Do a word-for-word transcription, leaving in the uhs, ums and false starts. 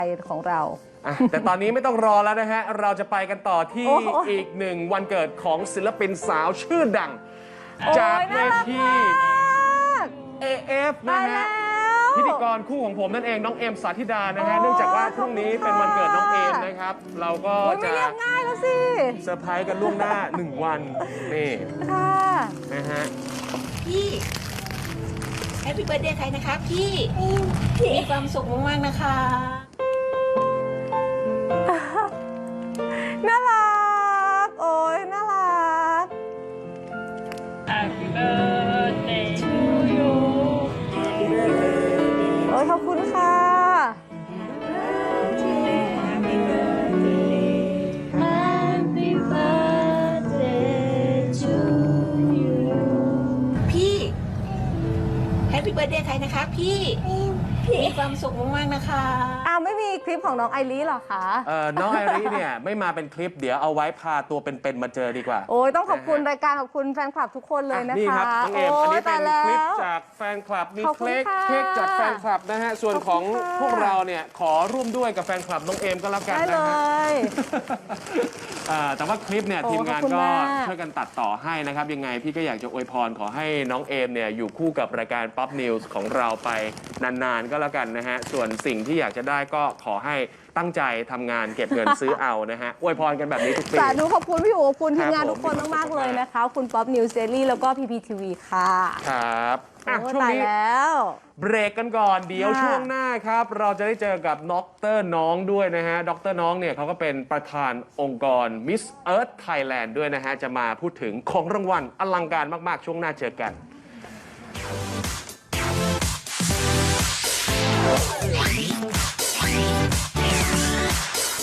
ของเราแต่ตอนนี้ไม่ต้องรอแล้วนะฮะ เราจะไปกันต่อที่อีกหนึ่งวันเกิดของศิลปินสาวชื่อดัง จากเวที เอ เอฟ นะฮะพิธีกรคู่ของผมนั่นเองน้องเอมสาธิดานะฮะเนื่องจากว่าพรุ่งนี้เป็นวันเกิดน้องเอมนะครับ เราก็จะไม่เรียกง่ายแล้วสิเซอร์ไพรส์กันล่วงหน้าหนึ่งวันนี่ค่ะนะฮะพี่แฮปปี้เบิร์ดเดย์ใครนะคะพี่มีความสุขมากๆนะคะน่ารักโอ้ยน่ารัก Happy birthday to you โอ้ยขอบคุณค่ะ Happy birthday Happy birthday to you พี่แฮปปี้เบิร์ดเดย์ใครนะคะพี่มีความสุขมากๆนะคะอ้าวไม่มีคลิปของน้องไอรีหรอคะเอ่อน้องไอริเนี่ยไม่มาเป็นคลิปเดี๋ยวเอาไว้พาตัวเป็นๆมาเจอดีกว่าโอ้ยต้องขอบคุณรายการขอบคุณแฟนคลับทุกคนเลยนะคะนี่ครับน้องเอมอันนี้เป็นคลิปจากแฟนคลับมีขอบคุเค้ณกค่ะเค้กจากแฟนคลับนะฮะส่วนของขอบคุณค่ะพวกเราเนี่ยขอร่วมด้วยกับแฟนคลับน้องเอมก็แล้วกันได้เลนะฮะยอ่าแต่ว่าคลิปเนี่ยโอ้ทีมงานขอบคุณก็มากช่วยกันตัดต่อให้นะครับยังไงพี่ก็อยากจะอวยพรขอให้น้องเอมเนี่ยอยู่คู่กับรายการ Pop News ของเราไปนานๆก็แล้วกันนะฮะส่วนสิ่งที่อยากจะได้ก็ขอให้ตั้งใจทำงานเก็บเงินซื้อเอานะฮะอวยพรกันแบบนี้ทุกปีสาธุขอบคุณพี่อู๋ขอบคุณทีมงานครับทุกคนผมมากๆเลยนะคะ คุณป๊อปนิวเซรี่แล้วก็พีพีทีวีค่ะครับอ่ะโอ้ช่วงตายนี้แล้วเบรกกันก่อนเดี๋ยวค่ะช่วงหน้าครับ เราจะได้เจอกับดรน้องด้วยนะฮะดรน้องเนี่ยเขาก็เป็นประธานองค์กร Miss Earth Thailand ด้วยนะฮะ จะมาพูดถึงของรางวัลอลังการมาก ๆ ช่วงหน้าเจอกัน